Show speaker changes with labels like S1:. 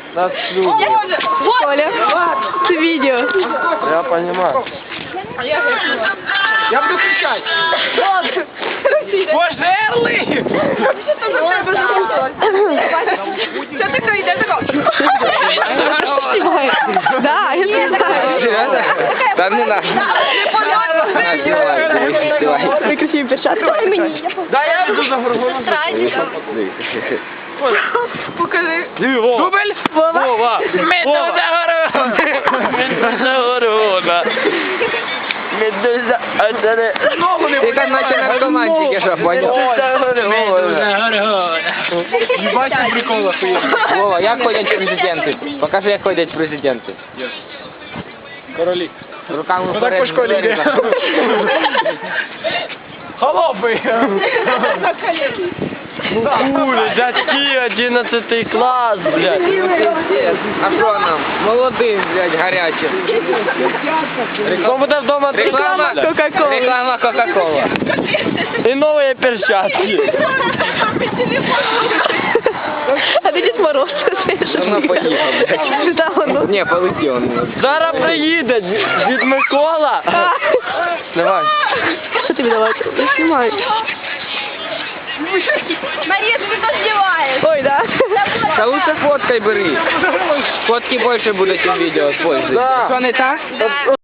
S1: Нас любят.
S2: Коля, ты видео.
S1: Я понимаю.
S3: Я буду кричать. Пожерли!
S2: Что такое? Я такой. Да, я знаю.
S1: Да ну нахуй.
S2: Ой, красивые перчатки.
S3: Да я буду за горгоном.
S2: Покажи.
S3: Дубль!
S1: Вова!
S3: Медуза горгона!
S1: Медуза горгона! Медуза горгона! Ти як наче наркоманчики, що понял?
S3: Медуза горгона! Ебать, прикола хуйня.
S1: Вова, як ходять президенти? Покажи, як ходять президенти.
S3: Королі.
S1: Руками
S3: Ну так
S1: вперед.
S3: по школі йде. Холопи!
S1: Хули, дядьки, 11 клас, блядь. А що нам? Молодим, блядь, гарячим. Хто буде вдома?
S2: Реклама Кока-Кола.
S1: Реклама Кока-Кола.
S3: І нові перчатки.
S2: А ты Дед Мороз.
S1: Давно поїхав, блядь.
S2: Да, он.
S1: Ні, полетів он.
S3: Зараз приїде Дід Микола.
S1: Давай.
S2: Что тебе давать? Я снимаю.
S4: Мария, ты что снимаешь?
S2: Ой, да.
S1: Та лучше фоткай бери. Фотки більше будуть у відео, пользуйся.
S3: Да.
S1: Що не так?